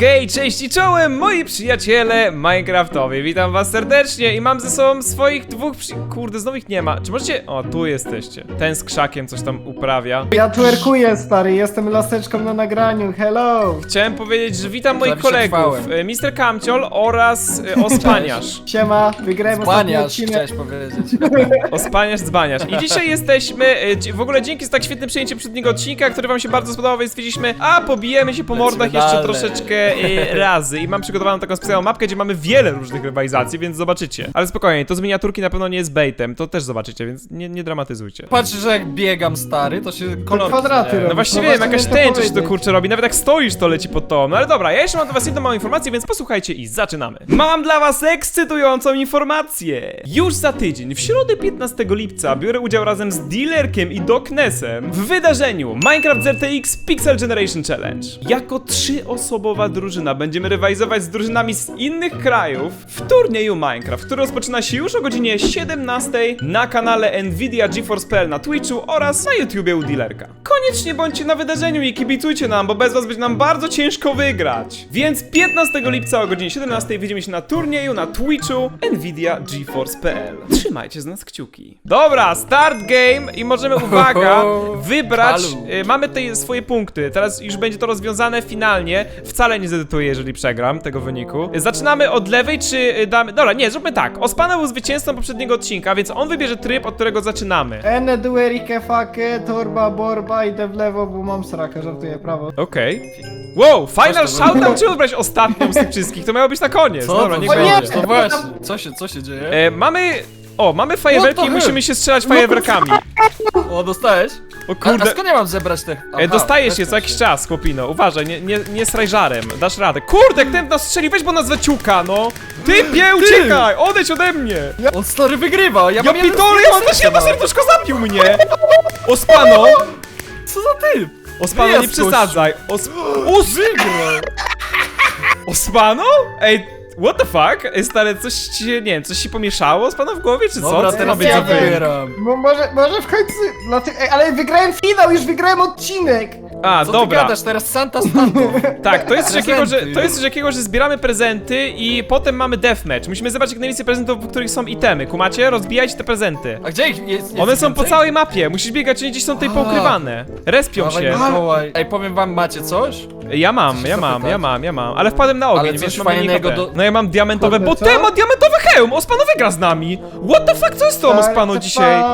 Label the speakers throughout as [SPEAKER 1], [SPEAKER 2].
[SPEAKER 1] Hej, cześć i czołem, moi przyjaciele Minecraftowi. Witam was serdecznie i mam ze sobą swoich dwóch Kurde, znowu ich nie ma. Czy możecie... O, tu jesteście. Ten z krzakiem coś tam uprawia.
[SPEAKER 2] Ja twerkuję, stary, jestem laseczką na nagraniu, hello!
[SPEAKER 1] Chciałem powiedzieć, że witam moich kolegów, Mr. Kamciol oraz Ospaniarz.
[SPEAKER 2] Siema, wygrałem ostatni
[SPEAKER 3] Dzbaniarz,
[SPEAKER 2] odcinek.
[SPEAKER 3] chciałeś powiedzieć.
[SPEAKER 1] Ospaniarz, dzbaniarz. I dzisiaj jesteśmy, w ogóle dzięki za tak świetne przyjęcie poprzedniego odcinka, który wam się bardzo spodobał, więc stwierdziliśmy, a pobijemy się po mordach jeszcze troszeczkę razy. I mam przygotowaną taką specjalną mapkę, gdzie mamy wiele różnych rywalizacji, więc zobaczycie. Ale spokojnie, to z miniaturki na pewno nie jest baitem, to też zobaczycie, więc nie dramatyzujcie.
[SPEAKER 3] Patrz, że jak biegam, stary, to się kolor
[SPEAKER 2] kwadraty
[SPEAKER 3] zmienia.
[SPEAKER 2] robi.
[SPEAKER 1] No właściwie wiem, jakaś tęcza się to kurczę robi, nawet jak stoisz to leci pod tobą. No ale dobra, ja jeszcze mam dla was jedną małą informację, więc posłuchajcie i zaczynamy. Mam dla was ekscytującą informację. Już za tydzień, w środę 15 lipca biorę udział razem z Dealerkiem i Doknesem w wydarzeniu Minecraft ZTX Pixel Generation Challenge. Jako 3-osobowa drużyna będziemy rywalizować z drużynami z innych krajów w turnieju Minecraft, który rozpoczyna się już o godzinie 17 na kanale Nvidia GeForce.pl na Twitchu oraz na YouTubie u Dealerka. Koniecznie bądźcie na wydarzeniu i kibicujcie nam, bo bez was będzie nam bardzo ciężko wygrać. Więc 15 lipca o godzinie 17 widzimy się na turnieju na Twitchu Nvidia GeForce.pl. Trzymajcie z nas kciuki. Dobra, start game i możemy, uwaga, wybrać, mamy tutaj swoje punkty, teraz już będzie to rozwiązane finalnie, wcale nie zedytuję, jeżeli przegram tego wyniku. Zaczynamy od lewej, czy damy, dobra, nie, zróbmy tak, Ospana był zwycięzcą poprzedniego odcinka, więc on wybierze tryb, od którego zaczynamy.
[SPEAKER 2] Ene duerike fake, torba borba, idę w lewo, bo mam sraka, żartuję, prawo.
[SPEAKER 1] Okej. Wow, final shoutout, czy wybrać ostatnią z tych wszystkich? To miało być na koniec.
[SPEAKER 3] Co?
[SPEAKER 1] Dobra,
[SPEAKER 3] To
[SPEAKER 1] niech
[SPEAKER 3] nie,
[SPEAKER 1] będzie.
[SPEAKER 3] no właśnie, co się dzieje?
[SPEAKER 1] Mamy fajerwerki i musimy się strzelać fajerwerkami.
[SPEAKER 3] O, dostałeś?
[SPEAKER 1] O
[SPEAKER 3] A
[SPEAKER 1] kurde.
[SPEAKER 3] skąd ja mam zebrać te? Aha,
[SPEAKER 1] Dostajesz je
[SPEAKER 3] weź
[SPEAKER 1] co jakiś czas, chłopino. Uważaj, nie straj żarem. Dasz radę. Kurde, jak ten nas strzeli, weź bo nas zaciuka, no. Typie, uciekaj! Odejdź ode mnie!
[SPEAKER 3] On stary wygrywa, ja
[SPEAKER 1] Ja
[SPEAKER 3] mam
[SPEAKER 1] pitole, ja mam też jedno serduszko, zabił mnie! Ospano!
[SPEAKER 3] Co za typ?
[SPEAKER 1] Ospano, nie
[SPEAKER 3] Wyjazd,
[SPEAKER 1] przesadzaj. Ospano? Ej, what the fuck? Stary, coś ci się, nie wiem, coś się pomieszało z pana w głowie, czy co?
[SPEAKER 3] Dobra,
[SPEAKER 1] Co
[SPEAKER 3] teraz
[SPEAKER 1] robię za
[SPEAKER 3] ja
[SPEAKER 1] wy?
[SPEAKER 3] wybieram.
[SPEAKER 2] Może w końcu, ale wygrałem finał, już wygrałem odcinek!
[SPEAKER 1] A,
[SPEAKER 3] Co
[SPEAKER 1] dobra.
[SPEAKER 3] ty gadasz teraz, Santa Santo?
[SPEAKER 1] Tak, to jest
[SPEAKER 3] Prezenty.
[SPEAKER 1] coś takiego, że zbieramy prezenty i potem mamy deathmatch. Musimy zebrać jak najwięcej prezentów, w których są itemy. Kumacie? Rozbijajcie te prezenty.
[SPEAKER 3] A gdzie ich jest?
[SPEAKER 1] One są po
[SPEAKER 3] więcej?
[SPEAKER 1] całej mapie, musisz biegać, oni gdzieś są tutaj poukrywane. Respią
[SPEAKER 3] Dawaj,
[SPEAKER 1] się.
[SPEAKER 3] Mikołaj. Ej, powiem wam, macie coś?
[SPEAKER 1] Ja mam, ale wpadłem na ogień,
[SPEAKER 3] Ale
[SPEAKER 1] więc
[SPEAKER 3] coś
[SPEAKER 1] mam mniej
[SPEAKER 3] fajnego
[SPEAKER 1] HP.
[SPEAKER 3] do-
[SPEAKER 1] No ja mam diamentowe,
[SPEAKER 2] Kurde,
[SPEAKER 1] bo
[SPEAKER 2] co?
[SPEAKER 1] ten ma diamentowy hełm! Ospano wygra z nami! What the fuck, co jest z tą Ospano dzisiaj?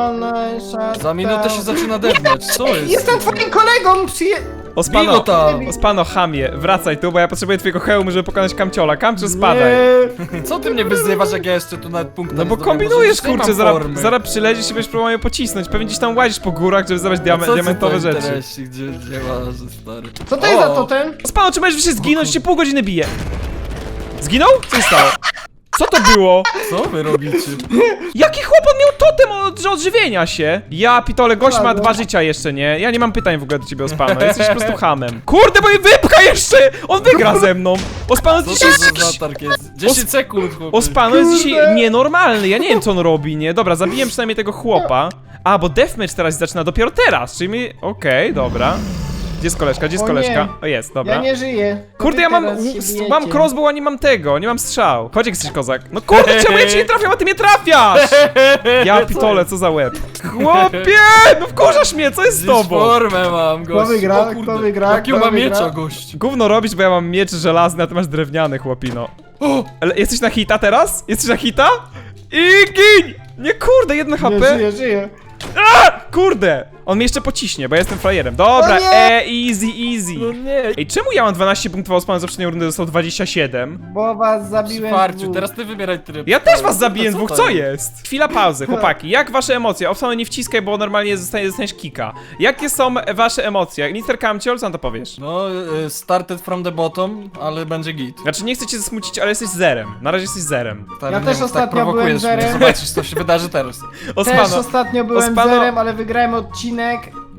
[SPEAKER 3] Za minutę się zaczyna deathmatch, co jest?
[SPEAKER 2] Jestem twoim kolegą,
[SPEAKER 1] Ospano,
[SPEAKER 3] Bigo tam.
[SPEAKER 1] Ospano, chamie, wracaj tu, bo ja potrzebuję twojego hełmu, żeby pokonać Kamciola. Kamciol, spadaj.
[SPEAKER 3] Co ty mnie wyzywasz, jak ja jeszcze tu nawet punkt
[SPEAKER 1] No bo kombinujesz, kurczę, zaraz przyleziesz i będziesz próbował mnie pocisnąć. Pewnie gdzieś tam łazisz po górach, żeby zabrać diamentowe rzeczy.
[SPEAKER 3] Gdzie łażę, stary?
[SPEAKER 2] Co to jest za totem?
[SPEAKER 1] Ospano, czy możesz się zginąć? Cię pół godziny bije. Zginął? Co się stało? Co to było?
[SPEAKER 3] Co wy robicie?
[SPEAKER 1] Jaki chłopak miał totem od odżywienia się? Ja, pitole, gość ma 2 życia jeszcze, nie? Ja nie mam pytań w ogóle do ciebie, Ospano, jesteś po prostu hamem. Kurde, bo mnie wypcha jeszcze! On wygra ze mną! Ospano
[SPEAKER 3] Co
[SPEAKER 1] dzisiaj
[SPEAKER 3] to
[SPEAKER 1] jest
[SPEAKER 3] za
[SPEAKER 1] jakiś...
[SPEAKER 3] zatarg jest? 10 sekund, chłopie.
[SPEAKER 1] Ospano jest dzisiaj nienormalny, ja nie wiem co on robi, nie? Dobra, zabiję przynajmniej tego chłopa. A, bo deathmatch teraz zaczyna dopiero teraz, czyli mi... Okej, dobra. Gdzie jest koleżka, gdzie jest
[SPEAKER 2] O
[SPEAKER 1] koleżka?
[SPEAKER 2] nie.
[SPEAKER 1] O, jest, dobra.
[SPEAKER 2] Ja nie żyję.
[SPEAKER 1] Kurde, ja mam crossbow, a nie mam tego, nie mam strzał. Chodź jak jesteś kozak. No kurde, czemu ja cię nie trafiam, a ty mnie trafiasz? Ja pitole, co za łeb. Chłopie, no wkurzasz mnie, co jest z
[SPEAKER 3] Dziś
[SPEAKER 1] tobą?
[SPEAKER 3] formę mam, gość.
[SPEAKER 2] Kto wygra?
[SPEAKER 3] O kurde,
[SPEAKER 2] Kto wygra?
[SPEAKER 3] Jakiego
[SPEAKER 2] Kto
[SPEAKER 3] ma
[SPEAKER 2] wygra?
[SPEAKER 3] miecza, gość?
[SPEAKER 1] Gówno robisz, bo ja mam miecz żelazny, a ty masz drewniany, chłopino.
[SPEAKER 3] O!
[SPEAKER 1] Ale jesteś na hita teraz? Jesteś na hita? I gin! Nie kurde, 1
[SPEAKER 2] Nie
[SPEAKER 1] HP.
[SPEAKER 2] żyję.
[SPEAKER 1] A, kurde! On mnie jeszcze pociśnie, bo ja jestem frajerem. Dobra,
[SPEAKER 2] O nie!
[SPEAKER 1] easy.
[SPEAKER 3] No nie.
[SPEAKER 1] Ej, czemu ja mam 12 punktów, a Osman z poprzedniej rundy dostał 27?
[SPEAKER 2] Bo was zabiłem
[SPEAKER 3] Farciu,
[SPEAKER 2] dwóch.
[SPEAKER 3] teraz ty wybieraj tryb.
[SPEAKER 1] Ja też was zabiję
[SPEAKER 3] Co
[SPEAKER 1] dwóch,
[SPEAKER 3] to
[SPEAKER 1] co jest? Chwila pauzy, chłopaki, jak wasze emocje? Obstawę nie wciskaj, bo normalnie dostaniesz kika. Jakie są wasze emocje? Mr. Kamciol, co na to powiesz?
[SPEAKER 3] No, started from the bottom, ale będzie git.
[SPEAKER 1] Znaczy, nie chcę cię zasmucić, ale jesteś zerem. Na razie jesteś zerem.
[SPEAKER 3] Stary,
[SPEAKER 2] Ja
[SPEAKER 3] nie
[SPEAKER 2] też
[SPEAKER 3] mów,
[SPEAKER 2] ostatnio
[SPEAKER 3] tak prowokujesz
[SPEAKER 2] byłem
[SPEAKER 3] mnie.
[SPEAKER 2] zerem.
[SPEAKER 3] Zobaczysz, co się wydarzy teraz.
[SPEAKER 2] Też
[SPEAKER 1] Osmano,
[SPEAKER 2] ostatnio byłem
[SPEAKER 1] Ospano-
[SPEAKER 2] zerem, ale wygrałem odcinek.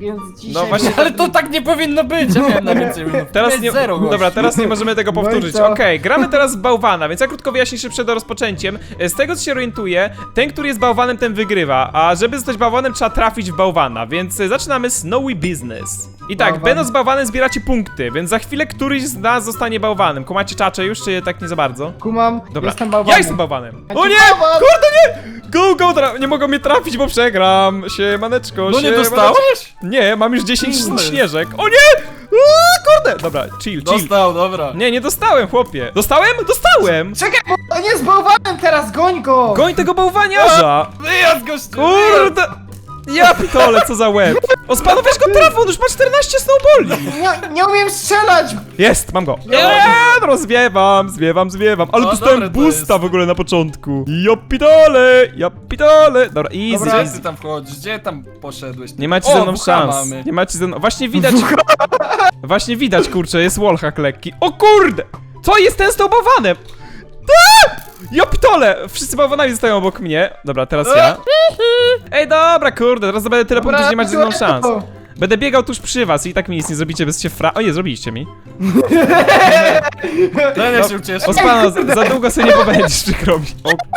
[SPEAKER 2] więc dzisiaj...
[SPEAKER 1] No właśnie,
[SPEAKER 3] Ale to tak nie powinno być, ja miałem na więcej minut.
[SPEAKER 1] Teraz
[SPEAKER 3] Miałeś
[SPEAKER 1] nie,
[SPEAKER 3] zero, gościu.
[SPEAKER 1] dobra, teraz nie możemy tego
[SPEAKER 2] No i
[SPEAKER 1] powtórzyć.
[SPEAKER 2] co?
[SPEAKER 1] Okej, gramy teraz w bałwana, więc ja krótko wyjaśnię jeszcze przed rozpoczęciem. Z tego co się orientuję, ten, który jest bałwanem, ten wygrywa, a żeby zostać bałwanem, trzeba trafić w bałwana, więc zaczynamy Snowy Business. I tak,
[SPEAKER 2] Bałwan.
[SPEAKER 1] będąc bałwanem zbieracie punkty, więc za chwilę któryś z nas zostanie bałwanem. Kumacie czacze już, czy tak nie za bardzo?
[SPEAKER 2] Kumam,
[SPEAKER 1] Dobra,
[SPEAKER 2] jestem bałwanem.
[SPEAKER 1] ja jestem bałwanem.
[SPEAKER 2] Ja
[SPEAKER 1] O
[SPEAKER 2] ci
[SPEAKER 1] nie!
[SPEAKER 2] bałwan!
[SPEAKER 1] Kurde nie! Go, nie mogą mnie trafić, bo przegram. Siemaneczko,
[SPEAKER 3] No nie
[SPEAKER 1] siemaneczko.
[SPEAKER 3] dostałeś?
[SPEAKER 1] Nie, mam już 10
[SPEAKER 3] Co jest?
[SPEAKER 1] śnieżek. O nie! Kurde! Dobra, chill.
[SPEAKER 3] Dostał, dobra.
[SPEAKER 1] Nie dostałem, chłopie. Dostałem? Dostałem!
[SPEAKER 2] Czekaj, bo on jest bałwanem teraz, goń go!
[SPEAKER 1] Goń tego bałwaniarza!
[SPEAKER 3] Wyjazd, gościu!
[SPEAKER 1] Kurde! Ja pitole, co za łeb! O, spano, weź go trafą, on już ma 14 snowballi!
[SPEAKER 2] Nie umiem strzelać!
[SPEAKER 1] Jest, mam go! Zwiewam. Ale
[SPEAKER 3] No,
[SPEAKER 1] dostałem
[SPEAKER 3] dobre to
[SPEAKER 1] boosta
[SPEAKER 3] jest.
[SPEAKER 1] w ogóle na początku. Ja pitole! Dobra, easy.
[SPEAKER 2] Dobra.
[SPEAKER 3] Gdzie ty tam wchodzisz? Gdzie tam poszedłeś?
[SPEAKER 1] Nie macie
[SPEAKER 3] O,
[SPEAKER 1] ze mną
[SPEAKER 3] WH
[SPEAKER 1] szans.
[SPEAKER 3] mamy.
[SPEAKER 1] Nie macie ze mną. Właśnie widać, kurczę, jest wallhack lekki. O kurde! Co jest ten z tą bałwanem? Ja pitole! Wszyscy bałwanami zostają obok mnie. Dobra, teraz ja. Ej, dobra, kurde, teraz będę tyle punktów, że nie macie ze mną szans. Będę biegał tuż przy was i tak mi nic nie zrobicie, bez się O nie, zrobiliście mi.
[SPEAKER 3] Ten ja się ucieszę.
[SPEAKER 1] Ospano, za długo sobie nie pobędziesz, przykro mi.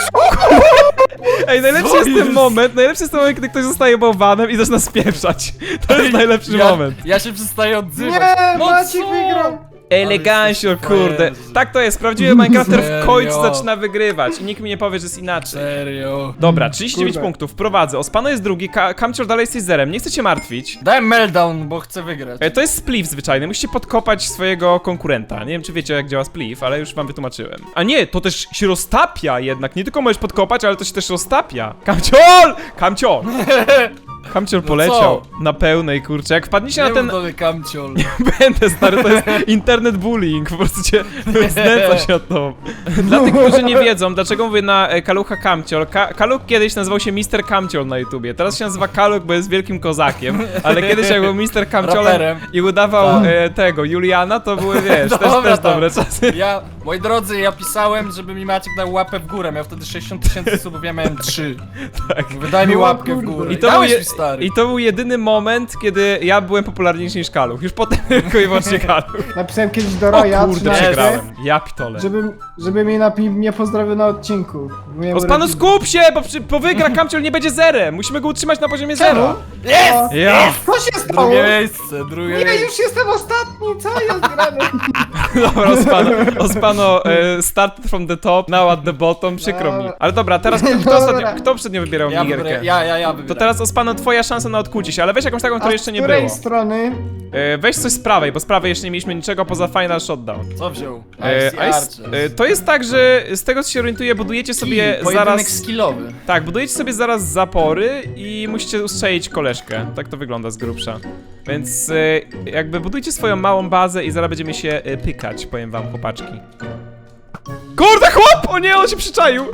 [SPEAKER 1] Ej, najlepszy jest ten moment, kiedy ktoś zostaje bałwanem i zaczyna spieprzać. To jest najlepszy moment.
[SPEAKER 3] Ja się przestaję odzywać.
[SPEAKER 2] Nie,
[SPEAKER 3] No
[SPEAKER 2] Maciek
[SPEAKER 3] co?
[SPEAKER 2] wygrał!
[SPEAKER 1] Elegancio,
[SPEAKER 3] jesteś
[SPEAKER 1] kurde.
[SPEAKER 3] frajerzy.
[SPEAKER 1] Tak to jest, prawdziwy Minecrafter w
[SPEAKER 3] Serio?
[SPEAKER 1] końcu zaczyna wygrywać i nikt mi nie powie, że jest inaczej.
[SPEAKER 3] Serio.
[SPEAKER 1] Dobra, 39
[SPEAKER 2] Kurde.
[SPEAKER 1] punktów, prowadzę. Ospano jest drugi, Kamcior dalej jesteś zerem, nie chcę cię martwić.
[SPEAKER 3] Daj meltdown, bo chcę wygrać.
[SPEAKER 1] To jest spliff zwyczajny, musicie podkopać swojego konkurenta. Nie wiem, czy wiecie, jak działa spliff, ale już wam wytłumaczyłem. A nie, to też się roztapia jednak, nie tylko możesz podkopać, ale to się też roztapia. Kamcior! Kamcior poleciał na pełnej, kurczę. Jak wpadniecie na ten...
[SPEAKER 3] Kamciol.
[SPEAKER 1] Będę, stary, to jest internet bullying, po prostu cię znęca się od to. Dla tych, którzy nie wiedzą, dlaczego mówię na Kalucha Kamciol. Kaluk kiedyś nazywał się Mr. Kamciol na YouTubie, teraz się nazywa Kaluk, bo jest wielkim kozakiem, ale kiedyś jak był Mr. Kamciolem
[SPEAKER 3] Raperem.
[SPEAKER 1] i udawał
[SPEAKER 3] Tak.
[SPEAKER 1] tego, Juliana, to były, wiesz, też
[SPEAKER 3] Dobra, tak.
[SPEAKER 1] dobre czasy.
[SPEAKER 3] Ja, moi drodzy, ja pisałem, żeby mi Maciek dał łapę w górę. Miał wtedy 60 000 subów, ja miałem 3.
[SPEAKER 1] Tak.
[SPEAKER 3] Wydaj mi
[SPEAKER 2] No,
[SPEAKER 3] łapkę w
[SPEAKER 2] kurde.
[SPEAKER 3] górę.
[SPEAKER 1] I to, był
[SPEAKER 3] Dałeś
[SPEAKER 1] je,
[SPEAKER 3] mi, stary.
[SPEAKER 1] I to był jedyny moment, kiedy ja byłem popularniejszy niż Kaluch. Już potem tylko i wyłącznie Kaluch.
[SPEAKER 2] Napisałem kiedyś do
[SPEAKER 1] O
[SPEAKER 2] Roya,
[SPEAKER 1] kurde,
[SPEAKER 2] 13,
[SPEAKER 1] przegrałem. Ja pitole.
[SPEAKER 2] żeby mnie pozdrowił na odcinku. Byłem
[SPEAKER 1] Ospano,
[SPEAKER 2] urodziny.
[SPEAKER 1] skup się, bo wygra Kamciol nie będzie zerem. Musimy go utrzymać na poziomie
[SPEAKER 2] Czemu?
[SPEAKER 1] zera.
[SPEAKER 2] Jest!
[SPEAKER 1] Ja.
[SPEAKER 2] Co się stało?
[SPEAKER 3] Drugie miejsce, drugie
[SPEAKER 2] Nie,
[SPEAKER 3] miejsce.
[SPEAKER 2] już jestem ostatni, co jest grane?
[SPEAKER 1] Dobra, Ospano, start from the top, now at the bottom, przykro mi. Ale dobra, teraz kto ostatnio wybierał
[SPEAKER 3] Ja
[SPEAKER 1] minigierkę?
[SPEAKER 3] wybieram, ja
[SPEAKER 1] To
[SPEAKER 3] wybieram.
[SPEAKER 1] teraz, Ospano, twoja szansa na odkucie się, ale weź jakąś taką,
[SPEAKER 2] A
[SPEAKER 1] której
[SPEAKER 2] z
[SPEAKER 1] jeszcze nie
[SPEAKER 2] której
[SPEAKER 1] było.
[SPEAKER 2] strony?
[SPEAKER 1] Weź coś z prawej, bo z prawej jeszcze nie mieliśmy niczego poza Final Shotdown.
[SPEAKER 3] Co wziął?
[SPEAKER 1] To jest tak, że z tego co się orientuję, budujecie sobie
[SPEAKER 3] Pojedynek
[SPEAKER 1] zaraz...
[SPEAKER 3] skillowy.
[SPEAKER 1] Tak, budujecie sobie zaraz zapory i musicie ustrzelić koleżkę. Tak to wygląda z grubsza. Więc jakby budujcie swoją małą bazę i zaraz będziemy się pykać, powiem wam, chłopaczki. Kurde, chłop! O nie, on się przyczaił!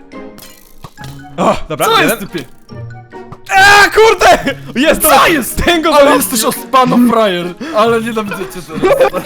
[SPEAKER 1] O, dobra,
[SPEAKER 3] Co
[SPEAKER 1] jeden.
[SPEAKER 3] jest typie?
[SPEAKER 1] Kurde! Jest to!
[SPEAKER 3] Co jest?
[SPEAKER 1] Ten go
[SPEAKER 3] Ale
[SPEAKER 1] zaraz...
[SPEAKER 3] jesteś Ospano frajer. Ale nienawidzę cię teraz.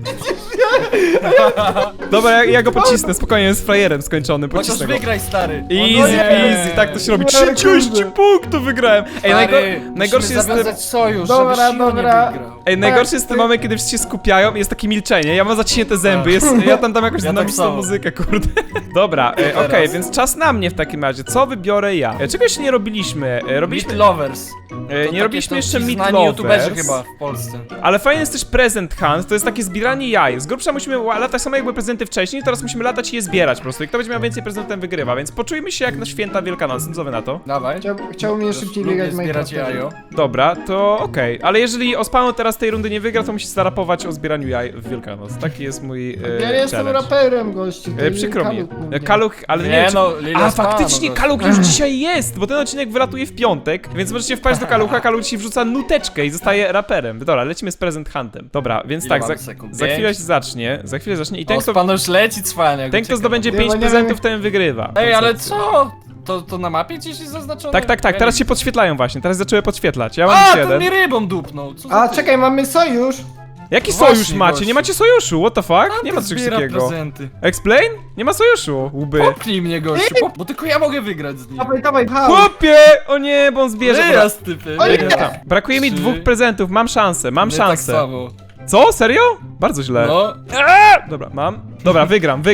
[SPEAKER 1] Dobra, ja go pocisnę, spokojnie, jest frajerem skończony,
[SPEAKER 3] Chociaż
[SPEAKER 1] pocisnę go.
[SPEAKER 3] wygraj, stary.
[SPEAKER 1] Easy peasy, tak to się robi. 30 punktów wygrałem! Ej, najgorszy jest ten...
[SPEAKER 3] zawiązać sojusz,
[SPEAKER 2] Dobra,
[SPEAKER 3] żeby Shiro
[SPEAKER 2] dobra.
[SPEAKER 3] nie wygrał.
[SPEAKER 1] Ej, najgorszy jest ten moment, kiedy wszyscy się skupiają i jest takie milczenie. Ja mam zaciśnięte zęby, ja tam dam jakąś
[SPEAKER 3] Ja tak
[SPEAKER 1] dynamiczną
[SPEAKER 3] samo.
[SPEAKER 1] muzykę, kurde. Dobra,
[SPEAKER 3] teraz.
[SPEAKER 1] okej, więc czas na mnie w takim razie. Co wybiorę ja? Czego jeszcze nie robiliśmy?
[SPEAKER 3] Meat Lovers.
[SPEAKER 1] Nie robiliśmy jeszcze Meat
[SPEAKER 3] znani youtuberzy
[SPEAKER 1] Lovers,
[SPEAKER 3] chyba w Polsce.
[SPEAKER 1] ale fajny jest też Present Hunt, to jest takie zbieranie jaj. Z grubsza musimy latać samo jak były prezenty wcześniej, teraz musimy latać i je zbierać po prostu. I kto będzie miał więcej prezentów, ten wygrywa, więc poczujmy się jak na święta Wielkanocne, co wy na to?
[SPEAKER 3] Dawaj.
[SPEAKER 2] Chciałbym je szybciej
[SPEAKER 3] Lubię
[SPEAKER 2] biegać w
[SPEAKER 3] zbierać
[SPEAKER 2] Minecrafcie.
[SPEAKER 3] jajo.
[SPEAKER 1] Dobra, to okej. Ale jeżeli Ospano teraz tej rundy nie wygra, to musi zarapować o zbieraniu jaj w Wielkanoc. Taki jest mój
[SPEAKER 2] Ja nie jestem
[SPEAKER 1] challenge.
[SPEAKER 2] raperem, gościu. to
[SPEAKER 1] Przykro mi.
[SPEAKER 2] Kaluk mówię.
[SPEAKER 1] Kaluch, ale nie,
[SPEAKER 3] Nie
[SPEAKER 1] wiem, czy...
[SPEAKER 3] no, Lila
[SPEAKER 1] A,
[SPEAKER 3] Spano,
[SPEAKER 1] faktycznie
[SPEAKER 3] gościu.
[SPEAKER 1] Kaluch już dzisiaj jest, bo ten odcinek wylatuje w piątek, więc możecie wpaść do Kalucha, Kaluch ci wrzuca nuteczkę i zostaje raperem. Dobra, lecimy z Present Huntem. Dobra, więc
[SPEAKER 3] Ile
[SPEAKER 1] tak,
[SPEAKER 3] mamy sekund?
[SPEAKER 1] za chwilę
[SPEAKER 3] Pięć?
[SPEAKER 1] się zacznie, i ten, kto,
[SPEAKER 3] Ospano już leci cwaniak.
[SPEAKER 1] ten, kto zdobędzie
[SPEAKER 2] Nie,
[SPEAKER 1] 5
[SPEAKER 2] bo nie
[SPEAKER 1] prezentów,
[SPEAKER 2] wiem-
[SPEAKER 1] ten wygrywa.
[SPEAKER 3] Ej, ale co? To na mapie gdzieś jest zaznaczone?
[SPEAKER 1] Tak, teraz się podświetlają właśnie, teraz zaczęły podświetlać. Ja mam
[SPEAKER 3] A,
[SPEAKER 1] już
[SPEAKER 3] ten
[SPEAKER 1] jeden.
[SPEAKER 3] mi rybą dupnął. Co za
[SPEAKER 2] A,
[SPEAKER 3] ty?
[SPEAKER 2] czekaj, mamy sojusz.
[SPEAKER 1] Jaki
[SPEAKER 3] Właśnie,
[SPEAKER 1] sojusz macie?
[SPEAKER 3] gościu.
[SPEAKER 1] Nie macie sojuszu, what the fuck? Nie ma czegoś
[SPEAKER 3] Zbiera
[SPEAKER 1] takiego.
[SPEAKER 3] prezenty.
[SPEAKER 1] Explain? Nie ma sojuszu, łby.
[SPEAKER 3] Popnij mnie, gościu, bo tylko ja mogę wygrać z nim.
[SPEAKER 2] Dawaj, hał.
[SPEAKER 1] Chłopie! O nie, bo on zbierze. Dobra,
[SPEAKER 3] Wyjazd, typy.
[SPEAKER 2] O nie!
[SPEAKER 3] wyjazd.
[SPEAKER 1] tam. Brakuje mi 2 prezentów, mam szansę, mam
[SPEAKER 3] Nie tak
[SPEAKER 1] szansę.
[SPEAKER 3] samo.
[SPEAKER 1] Co? Serio? Bardzo źle.
[SPEAKER 3] No.
[SPEAKER 1] Dobra, mam. Dobra,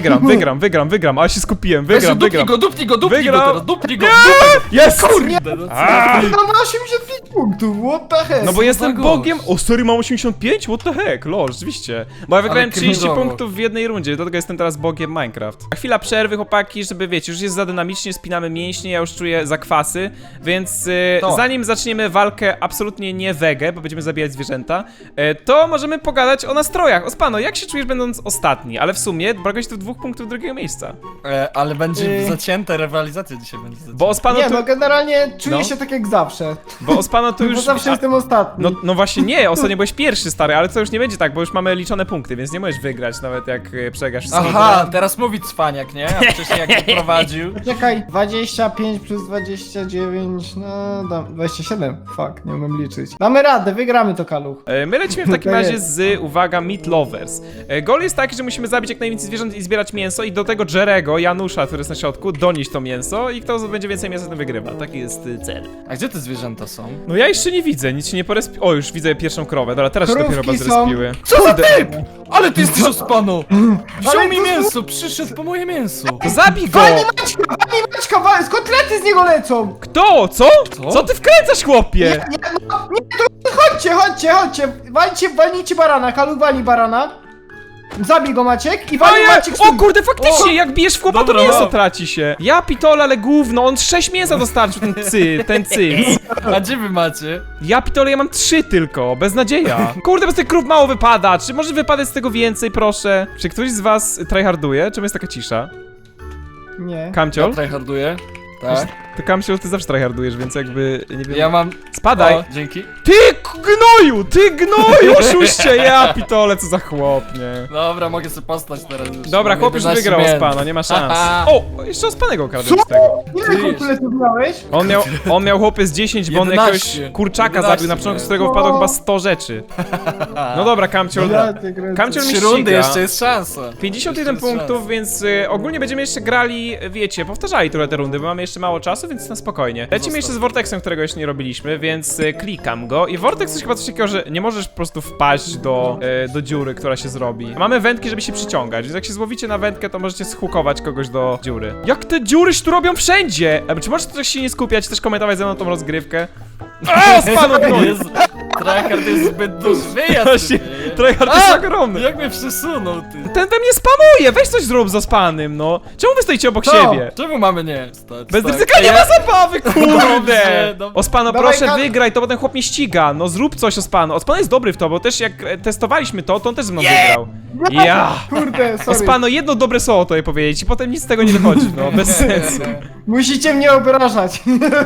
[SPEAKER 1] wygram, ale się skupiłem, wygram.
[SPEAKER 3] Dupnij go
[SPEAKER 1] Wygram.
[SPEAKER 3] teraz, dupnij go.
[SPEAKER 1] Jest!
[SPEAKER 3] Kurde, no co?
[SPEAKER 1] A!
[SPEAKER 2] No ma 85 punktów, what the heck?
[SPEAKER 1] No bo jestem
[SPEAKER 3] za
[SPEAKER 1] bogiem.
[SPEAKER 3] gość?
[SPEAKER 1] O, sorry, mam 85? What the heck? Lol, rzeczywiście. Bo ja wygrałem 30
[SPEAKER 3] cringe'owo.
[SPEAKER 1] punktów w jednej rundzie, dlatego jestem teraz bogiem Minecraft. A chwila przerwy, chłopaki, żeby wiecie, już jest za dynamicznie, spinamy mięśnie, ja już czuję zakwasy, więc
[SPEAKER 3] To.
[SPEAKER 1] zanim zaczniemy walkę absolutnie nie wege, bo będziemy zabijać zwierzęta, to możemy pogadać o nastrojach. Ospano, jak się czujesz będąc ostatni? Ale w sumie brakuje ci tu 2 punktów drugiego miejsca.
[SPEAKER 3] Ale będzie zacięte, rywalizacja dzisiaj będzie zacięta.
[SPEAKER 1] Bo Ospano
[SPEAKER 2] Nie,
[SPEAKER 1] tu...
[SPEAKER 2] no generalnie czuję
[SPEAKER 1] No.
[SPEAKER 2] się tak jak zawsze.
[SPEAKER 1] Bo Ospano tu
[SPEAKER 2] Bo
[SPEAKER 1] już...
[SPEAKER 2] zawsze jestem ostatni.
[SPEAKER 1] No właśnie nie, ostatnio byłeś pierwszy, stary, ale to już nie będzie tak, bo już mamy liczone punkty, więc nie możesz wygrać nawet jak przegrasz wszystko.
[SPEAKER 3] Aha, teraz mówi cwaniak, nie? A wcześniej jak się prowadził.
[SPEAKER 2] Czekaj, 25 plus 29, no 27. Fuck, nie umiem liczyć. Damy radę, wygramy to, Kaluch.
[SPEAKER 1] My lecimy w takim
[SPEAKER 2] To
[SPEAKER 1] razie
[SPEAKER 2] jest.
[SPEAKER 1] z, uwaga, Meat Lovers. Goal jest taki, że musimy zabić jak najwięcej zwierząt i zbierać mięso i do tego Jerego, Janusza, który jest na środku, donieść to mięso i kto będzie więcej mięsa, ten wygrywa. Taki jest cel.
[SPEAKER 3] A gdzie te zwierzęta są?
[SPEAKER 1] No ja jeszcze nie widzę, nic się nie porespi... O, już widzę pierwszą krowę, dobra, teraz się dopiero
[SPEAKER 2] Krówki
[SPEAKER 1] chyba
[SPEAKER 2] są.
[SPEAKER 1] zrespiły.
[SPEAKER 3] Co za typ! Ale ty jesteś ospano! Wziął
[SPEAKER 2] Ale
[SPEAKER 3] mi
[SPEAKER 2] to-
[SPEAKER 3] mięso, przyszedł po moje mięso.
[SPEAKER 1] To zabij go!
[SPEAKER 2] Pani Maćka, z kotlety z niego lecą!
[SPEAKER 1] Kto? Co?
[SPEAKER 3] Co?
[SPEAKER 1] Co ty wkręcasz, chłopie?
[SPEAKER 2] Nie, to chodźcie, walnijcie barana, Kaluch wali barana. Zabij go, Maciek, i wali
[SPEAKER 1] Oje!
[SPEAKER 2] Maciek
[SPEAKER 1] O kurde, faktycznie, jak bijesz w chłopa, to
[SPEAKER 3] Dobra,
[SPEAKER 1] mięso
[SPEAKER 3] no.
[SPEAKER 1] traci się. Ja pitole, ale gówno, on 6 mięsa dostarczył, ten cyc.
[SPEAKER 3] A gdzie wy macie?
[SPEAKER 1] Ja pitole, ja mam 3 tylko, beznadzieja. Kurde, bez tych krów mało wypada, czy może wypadać z tego więcej, proszę? Czy ktoś z was tryharduje? Czemu jest taka cisza?
[SPEAKER 2] Nie.
[SPEAKER 3] Ja
[SPEAKER 1] Kamciol?
[SPEAKER 3] tryharduję. Tak.
[SPEAKER 1] Ty, Kamciol, ty zawsze tryhardujesz, więc jakby, nie wiem...
[SPEAKER 3] Ja mam...
[SPEAKER 1] Spadaj!
[SPEAKER 3] O, dzięki.
[SPEAKER 1] Ty gnoju, oszuście, ja pitole, co za chłop, nie?
[SPEAKER 3] Dobra, mogę sobie postać teraz już.
[SPEAKER 1] Dobra,
[SPEAKER 3] Mam
[SPEAKER 1] chłop już
[SPEAKER 3] 11
[SPEAKER 1] wygrał
[SPEAKER 3] mięs.
[SPEAKER 1] Ospano, nie ma szans.
[SPEAKER 3] Haha.
[SPEAKER 1] O, jeszcze Ospanego okradłem z tego.
[SPEAKER 2] Ile kotletów miałeś?
[SPEAKER 1] On miał chłopy z 10, bo on
[SPEAKER 3] 11.
[SPEAKER 1] jakiegoś kurczaka
[SPEAKER 3] 11
[SPEAKER 1] zabił, na początku z
[SPEAKER 3] miałem.
[SPEAKER 1] którego wpadło chyba 100 rzeczy. No dobra, Kamciol. Kamciol mi
[SPEAKER 3] 3 rundy,
[SPEAKER 1] ściga.
[SPEAKER 3] jeszcze jest szansa.
[SPEAKER 1] 51
[SPEAKER 3] Jeszcze jest
[SPEAKER 1] punktów, więc ogólnie będziemy jeszcze grali, wiecie, powtarzali trochę te rundy, bo mamy jeszcze mało czasu, więc na spokojnie. Lecimy jeszcze z Vortexem, którego jeszcze nie robiliśmy, więc klikam go i Vortex jest chyba coś takiego, że nie możesz po prostu wpaść do dziury, która się zrobi. Mamy wędki, żeby się przyciągać, więc jak się złowicie na wędkę, to możecie zhukować kogoś do dziury. Jak te dziury się tu robią wszędzie! Czy możesz też się nie skupiać, też komentować ze mną tą rozgrywkę? A, spadł
[SPEAKER 3] szansa. Jezu, tryhard jest zbyt duży. Wyjazd.
[SPEAKER 1] Właśnie,
[SPEAKER 3] typie.
[SPEAKER 1] tryhard jest ogromny.
[SPEAKER 3] Jak mnie przesunął, ty.
[SPEAKER 1] Ten we mnie spamuje, weź coś zrób za spanym, no. Czemu wy stoicie obok
[SPEAKER 2] Co?
[SPEAKER 1] siebie?
[SPEAKER 3] Czemu mamy nie stać?
[SPEAKER 1] Bez
[SPEAKER 3] tak?
[SPEAKER 1] ryzyka nie ma zabawy, kurde!
[SPEAKER 3] Dobrze, dobrze.
[SPEAKER 1] Ospano,
[SPEAKER 2] Dawaj,
[SPEAKER 1] proszę
[SPEAKER 2] Kat-
[SPEAKER 1] wygraj, to potem chłop mnie ściga. No zrób coś, Ospano. Ospano jest dobry w to, bo też jak testowaliśmy to on też ze mną wygrał. Ja!
[SPEAKER 2] Kurde, sorry.
[SPEAKER 1] Ospano, jedno dobre słowo to je powiedzieć i potem nic z tego nie wychodzi, no, bez sensu.
[SPEAKER 2] Musicie mnie obrażać.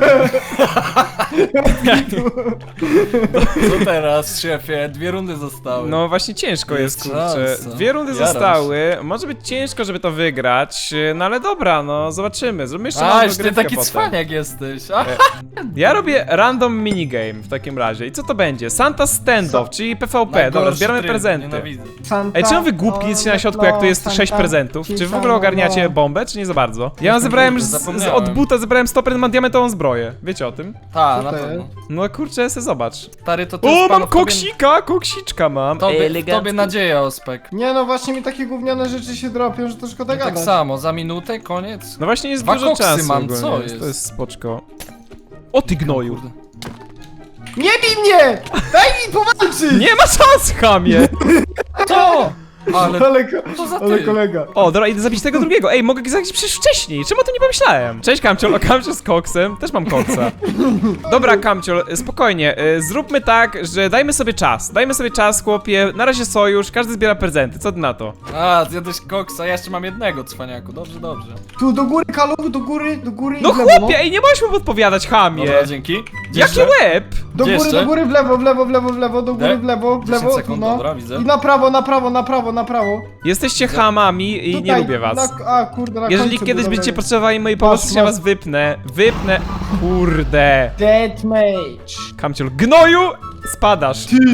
[SPEAKER 3] Co teraz, szefie? 2 rundy zostały.
[SPEAKER 1] No właśnie ciężko jest,
[SPEAKER 3] Jest
[SPEAKER 1] kurczę.
[SPEAKER 3] szansa.
[SPEAKER 1] 2 rundy
[SPEAKER 3] Jaram
[SPEAKER 1] zostały, może być ciężko, żeby to wygrać, no ale dobra, no zobaczymy. Zrobimy jeszcze małą
[SPEAKER 3] A, już ty
[SPEAKER 1] dogrywkę
[SPEAKER 3] taki
[SPEAKER 1] potem.
[SPEAKER 3] cwaniak jesteś. A,
[SPEAKER 1] Ja robię random minigame w takim razie. I co to będzie? Santa Standoff, czyli PvP. Dobra,
[SPEAKER 3] najgorszy
[SPEAKER 1] zbieramy
[SPEAKER 3] tryb,
[SPEAKER 1] prezenty.
[SPEAKER 3] nienawidzę.
[SPEAKER 2] Santa,
[SPEAKER 1] Ej, czemu wy głupki jesteście na środku, jak tu jest 6 prezentów? Czy w ogóle ogarniacie bombę, czy nie za bardzo? Ja zebrałem już
[SPEAKER 3] Zapomniałem.
[SPEAKER 1] od buta zebrałem 100%, mam diamentową zbroję. Wiecie o tym?
[SPEAKER 3] Ta,
[SPEAKER 2] Co
[SPEAKER 3] na
[SPEAKER 2] to
[SPEAKER 3] pewno.
[SPEAKER 1] No kurczę, se zobacz.
[SPEAKER 3] Stary, to ty
[SPEAKER 1] O,
[SPEAKER 3] z
[SPEAKER 1] mam
[SPEAKER 3] panów
[SPEAKER 1] koksika, koksiczka mam.
[SPEAKER 3] Tobie nadzieja, Ospek.
[SPEAKER 2] Nie no, właśnie mi takie gówniane rzeczy się dropią, że to szkoda
[SPEAKER 3] Tak
[SPEAKER 2] gadać.
[SPEAKER 3] samo, za minutę, koniec.
[SPEAKER 1] No właśnie jest
[SPEAKER 3] 2
[SPEAKER 1] dużo
[SPEAKER 3] koksy
[SPEAKER 1] czasu
[SPEAKER 3] mam,
[SPEAKER 1] ogólnie,
[SPEAKER 3] co
[SPEAKER 1] więc
[SPEAKER 3] jest?
[SPEAKER 1] to jest spoczko. O ty gnoju.
[SPEAKER 3] Kurde.
[SPEAKER 2] Nie bij mnie! Daj mi powalczyć!
[SPEAKER 1] Nie ma szans, chamie!
[SPEAKER 3] To! Ale
[SPEAKER 2] To
[SPEAKER 3] za
[SPEAKER 2] ale
[SPEAKER 3] ty?
[SPEAKER 2] kolega.
[SPEAKER 1] O, dobra, idę zabić tego drugiego. Ej, mogę go zabić przecież wcześniej. Czemu o tym nie pomyślałem? Cześć, Kamciol. O, Kamciol z koksem. Też mam koksa. Dobra, Kamciol, spokojnie. Zróbmy tak, że dajmy sobie czas. Dajmy sobie czas, chłopie. Na razie sojusz, każdy zbiera prezenty. Co ty na to?
[SPEAKER 3] A, zjadłeś koksa, ja jeszcze mam jednego, cwaniaku. Dobrze, dobrze.
[SPEAKER 2] Tu do góry, Kaluch, do góry
[SPEAKER 1] No
[SPEAKER 2] i w lewo,
[SPEAKER 1] chłopie, ej, nie możesz mu podpowiadać, chamie.
[SPEAKER 3] Dobra, dzięki.
[SPEAKER 1] Jaki łeb?
[SPEAKER 2] Do
[SPEAKER 3] Gdzie
[SPEAKER 2] góry,
[SPEAKER 3] jeszcze?
[SPEAKER 2] do góry, w lewo, do góry,
[SPEAKER 3] Tak?
[SPEAKER 2] w lewo,
[SPEAKER 3] 10 sekund,
[SPEAKER 2] no.
[SPEAKER 3] dobra, widzę.
[SPEAKER 2] I na prawo.
[SPEAKER 1] Jesteście chamami i nie
[SPEAKER 2] Tutaj,
[SPEAKER 1] lubię was.
[SPEAKER 2] A, kurde, na
[SPEAKER 1] Jeżeli
[SPEAKER 2] końcu
[SPEAKER 1] kiedyś
[SPEAKER 2] był
[SPEAKER 1] będziecie
[SPEAKER 2] dobry.
[SPEAKER 1] potrzebowali mojej pomocy, to się
[SPEAKER 2] Masz.
[SPEAKER 1] was wypnę. Wypnę. Kurde.
[SPEAKER 2] Deathmatch.
[SPEAKER 1] Kamciol, gnoju! Spadasz.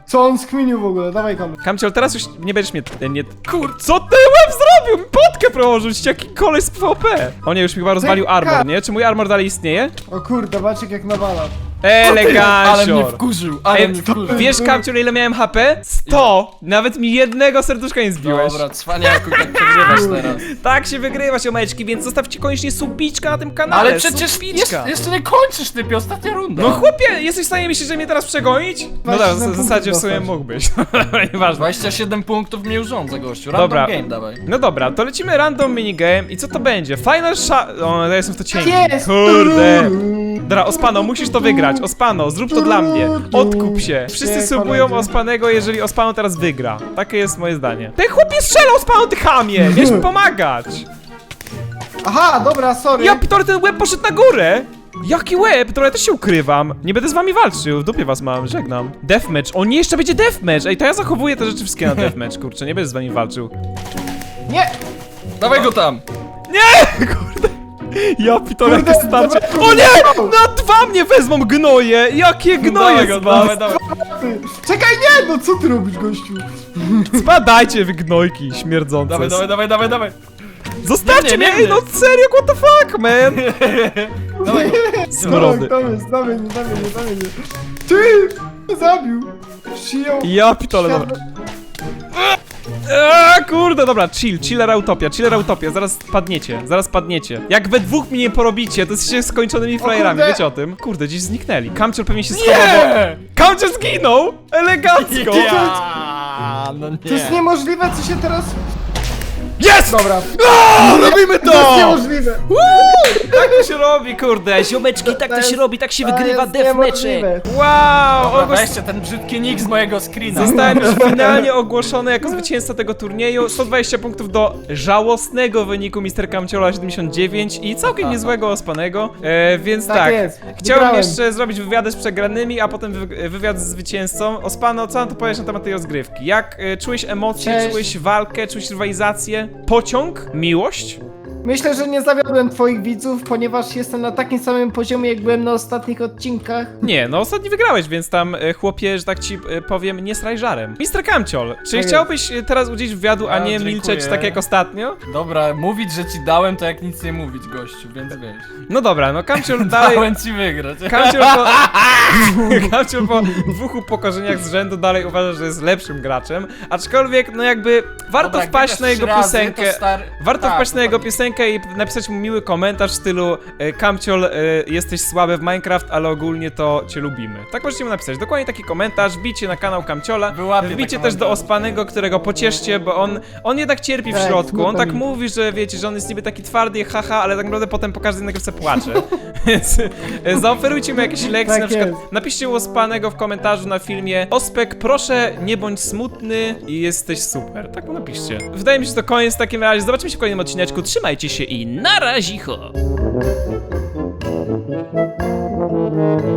[SPEAKER 2] Co on skminił w ogóle? Dawaj Kalu.
[SPEAKER 1] Kamciol, teraz już nie będziesz mnie... Nie... Co ten łeb zrobił? Mi potkę prołożył, jaki koleś z PvP. O nie, już mi chyba rozwalił armor, nie? Czy mój armor dalej istnieje?
[SPEAKER 2] O kurde, Maciek jak nawala.
[SPEAKER 3] Ale mnie
[SPEAKER 1] Elegancior.
[SPEAKER 3] wkurzył,
[SPEAKER 1] Ej,
[SPEAKER 3] mnie wkurzył.
[SPEAKER 1] wiesz, Kamciol, ile miałem HP? 100! Nawet mi jednego serduszka nie zbiłeś.
[SPEAKER 3] Dobra, cwaniaku, tak przegrywasz teraz.
[SPEAKER 1] Tak się wygrywa, siomeczki, więc zostawcie koniecznie subiczka na tym kanale.
[SPEAKER 3] Ale przecież
[SPEAKER 1] subiczka.
[SPEAKER 3] jeszcze nie kończysz, typie, ostatnia runda.
[SPEAKER 1] No chłopie, jesteś w stanie myśleć, że mnie teraz przegonić? No dobra,
[SPEAKER 2] 27
[SPEAKER 1] w zasadzie w sumie
[SPEAKER 2] punktów
[SPEAKER 1] mógłbyś. Nieważne.
[SPEAKER 3] 27 punktów mnie urządza, gościu. Random
[SPEAKER 1] Dobra.
[SPEAKER 3] game dawaj.
[SPEAKER 1] No dobra, to lecimy random minigame i co to będzie? Final shot... O, ja jestem w to cienki.
[SPEAKER 2] Jest!
[SPEAKER 1] Kurde. Dobra, Ospano, musisz to wygrać. Ospano, zrób to dla mnie. Odkup się. Wszyscy
[SPEAKER 2] Nie,
[SPEAKER 1] subują
[SPEAKER 2] koledzy.
[SPEAKER 1] Ospanego, jeżeli Ospano teraz wygra. Takie jest moje zdanie. Ten chłopie strzelał, Ospano, ty chamie! Miałeś mi pomagać.
[SPEAKER 2] Aha, dobra, sorry.
[SPEAKER 1] Ja, Pitor, ten łeb poszedł na górę! Jaki łeb? To ja też się ukrywam. Nie będę z wami walczył, w dupie was mam, żegnam. Deathmatch, o nie, jeszcze będzie deathmatch! Ej, to ja zachowuję te rzeczy wszystkie na deathmatch, kurczę, nie będę z wami walczył.
[SPEAKER 2] Nie!
[SPEAKER 3] Dawaj go tam.
[SPEAKER 1] Nie! Kurde. Ja, Pitor,
[SPEAKER 2] Kurde,
[SPEAKER 1] jakie starcie.
[SPEAKER 2] dobra,
[SPEAKER 1] O nie!
[SPEAKER 2] dobra.
[SPEAKER 1] Na dwa mnie wezmą gnoje! Jakie gnoje z was?
[SPEAKER 3] dawaj.
[SPEAKER 2] Ty. Czekaj, nie! No co ty robisz, gościu?
[SPEAKER 1] Spadajcie, wy gnojki śmierdzące.
[SPEAKER 3] Dawaj.
[SPEAKER 1] Zostawcie
[SPEAKER 3] Nie,
[SPEAKER 1] mnie!
[SPEAKER 3] nie,
[SPEAKER 1] Ej, no serio, what the fuck, man?
[SPEAKER 3] Dawaj.
[SPEAKER 1] Smrody.
[SPEAKER 2] Damy mnie. Ty! Zabił! Przyjął...
[SPEAKER 1] Ja, Pitole, dobra. Kurde, dobra, chillera utopia, zaraz padniecie. Jak we dwóch mnie nie porobicie, to jesteście skończonymi frajerami,
[SPEAKER 2] kurde.
[SPEAKER 1] wiecie o tym? Kurde, gdzieś zniknęli. Kamciol pewnie się schował, bo... Kamciol zginął! Elegancko!
[SPEAKER 3] Ja, no nie.
[SPEAKER 2] To jest niemożliwe, co się teraz...
[SPEAKER 1] Jest!
[SPEAKER 2] Dobra.
[SPEAKER 1] Robimy
[SPEAKER 2] To jest niemożliwe!
[SPEAKER 1] Tak to się robi, kurde, ziomeczki, tak to się robi, tak się wygrywa
[SPEAKER 2] jest
[SPEAKER 1] deathmatche.
[SPEAKER 2] niemożliwe.
[SPEAKER 1] Wow!
[SPEAKER 3] Dobra, weźcie ten brzydki nick z mojego screena.
[SPEAKER 1] Zostałem już finalnie ogłoszony jako zwycięzca tego turnieju. 120 punktów do żałosnego wyniku Mr. Kamciola 79 i całkiem niezłego Ospanego. Więc
[SPEAKER 2] Tak
[SPEAKER 1] tak,
[SPEAKER 2] jest.
[SPEAKER 1] chciałem
[SPEAKER 2] Wygrałem.
[SPEAKER 1] jeszcze zrobić wywiady z przegranymi, a potem wywiad z zwycięzcą. Ospano, co nam to powiesz na temat tej rozgrywki? Jak czułeś emocje,
[SPEAKER 2] Cześć.
[SPEAKER 1] czułeś walkę, czułeś rywalizację? Pociąg? Miłość?
[SPEAKER 2] Myślę, że nie zawiodłem twoich widzów, ponieważ jestem na takim samym poziomie, jak byłem na ostatnich odcinkach.
[SPEAKER 1] Nie, no ostatni wygrałeś, więc tam chłopie, że tak ci powiem, nie straj żarem. Mr. Kamciol, czy
[SPEAKER 2] jest.
[SPEAKER 1] chciałbyś teraz udzielić wywiadu, a nie
[SPEAKER 3] dziękuję.
[SPEAKER 1] milczeć tak jak ostatnio?
[SPEAKER 3] Dobra, mówić, że ci dałem, to jak nic nie mówić, gościu, więc wiesz.
[SPEAKER 1] No dobra, no Kamciol dalej...
[SPEAKER 3] Dałem ci wygrać.
[SPEAKER 1] Kamciol po 2 upokorzeniach z rzędu dalej uważa, że jest lepszym graczem, aczkolwiek no jakby warto
[SPEAKER 3] Dobra, jak
[SPEAKER 1] wpaść na
[SPEAKER 3] wygrasz
[SPEAKER 1] jego
[SPEAKER 3] 3 razy,
[SPEAKER 1] piosenkę.
[SPEAKER 3] to stary-
[SPEAKER 1] Warto
[SPEAKER 3] tak,
[SPEAKER 1] wpaść na jego
[SPEAKER 3] dokładnie.
[SPEAKER 1] piosenkę i napisać mu miły komentarz w stylu Kamciol, jesteś słaby w Minecraft, ale ogólnie to cię lubimy. Tak możecie mu napisać. Dokładnie taki komentarz, wbijcie na kanał Kamciola,
[SPEAKER 3] Wyłapię
[SPEAKER 1] wbijcie
[SPEAKER 3] te
[SPEAKER 1] też do
[SPEAKER 3] komentarze.
[SPEAKER 1] Ospanego, którego pocieszcie, bo on jednak cierpi w
[SPEAKER 2] Tak,
[SPEAKER 1] środku. On
[SPEAKER 2] smutno
[SPEAKER 1] tak
[SPEAKER 2] mi.
[SPEAKER 1] mówi, że wiecie, że on jest niby taki twardy, haha, ale tak naprawdę potem po każdej nagrywce płacze. Więc zaoferujcie mu jakieś lekcje,
[SPEAKER 2] Tak
[SPEAKER 1] na przykład
[SPEAKER 2] jest.
[SPEAKER 1] napiszcie u Ospanego w komentarzu na filmie Ospek, proszę nie bądź smutny i jesteś super. Tak mu napiszcie. Wydaje mi się, że to koniec w takim razie. Zobaczymy się w kolejnym odcineczku. Trzymajcie się i na razicho!